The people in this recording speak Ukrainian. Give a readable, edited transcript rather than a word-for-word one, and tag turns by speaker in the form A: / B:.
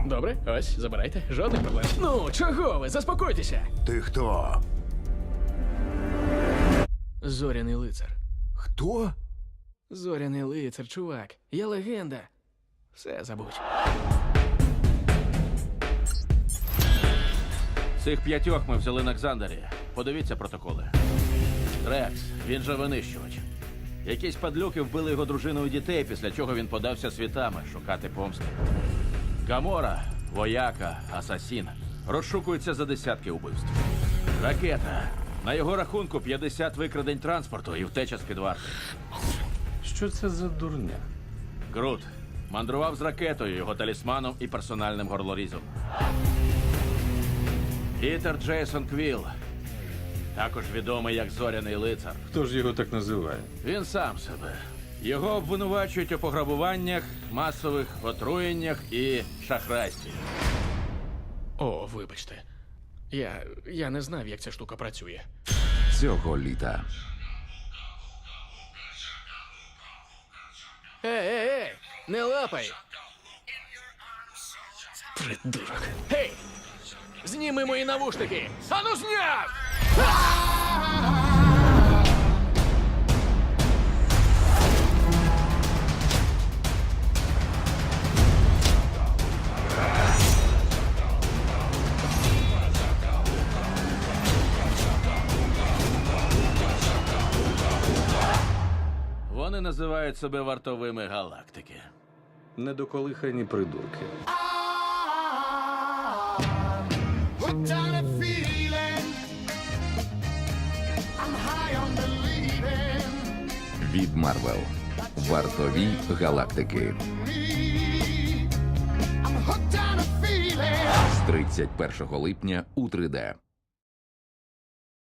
A: Добре, ось, забирайте. Жодних проблем. Ну, чого ви? Заспокойтеся.
B: Ти хто?
A: Зоряний лицар.
B: Хто?
A: Зоряний лицар, чувак. Я легенда. Все забудь.
C: Цих 5 ми взяли на Ксандері. Подивіться протоколи. Рекс, він же винищувач. Якісь падлюки вбили його дружину і дітей, після чого він подався світами шукати помсти. Гамора, вояка, асасін. Розшукується за десятки убивств. Ракета. На його рахунку 50 викрадень транспорту і втеча з-під варти.
D: Що це за дурня?
C: Грут. Мандрував з ракетою, його талісманом і персональним горлорізом. Пітер Джейсон Квілл. Також відомий як Зоряний лицар.
D: Хто ж його так називає?
C: Він сам себе. Його обвинувачують у пограбуваннях, масових отруєннях і шахрайстві.
A: О, вибачте. Я не знав, як ця штука працює.
E: Цього літа
A: Ей! Не лапай! Придурок. Гей! Зніми мої навушники! Ану зняв!
C: Вони називають себе вартовими галактики.
D: Недоколихані придурки.
F: Hooked on a feeling. I'm high on believing
E: від Марвел. Вартові галактики.
F: I'm hooked on a feeling.
E: З 31 липня у 3D.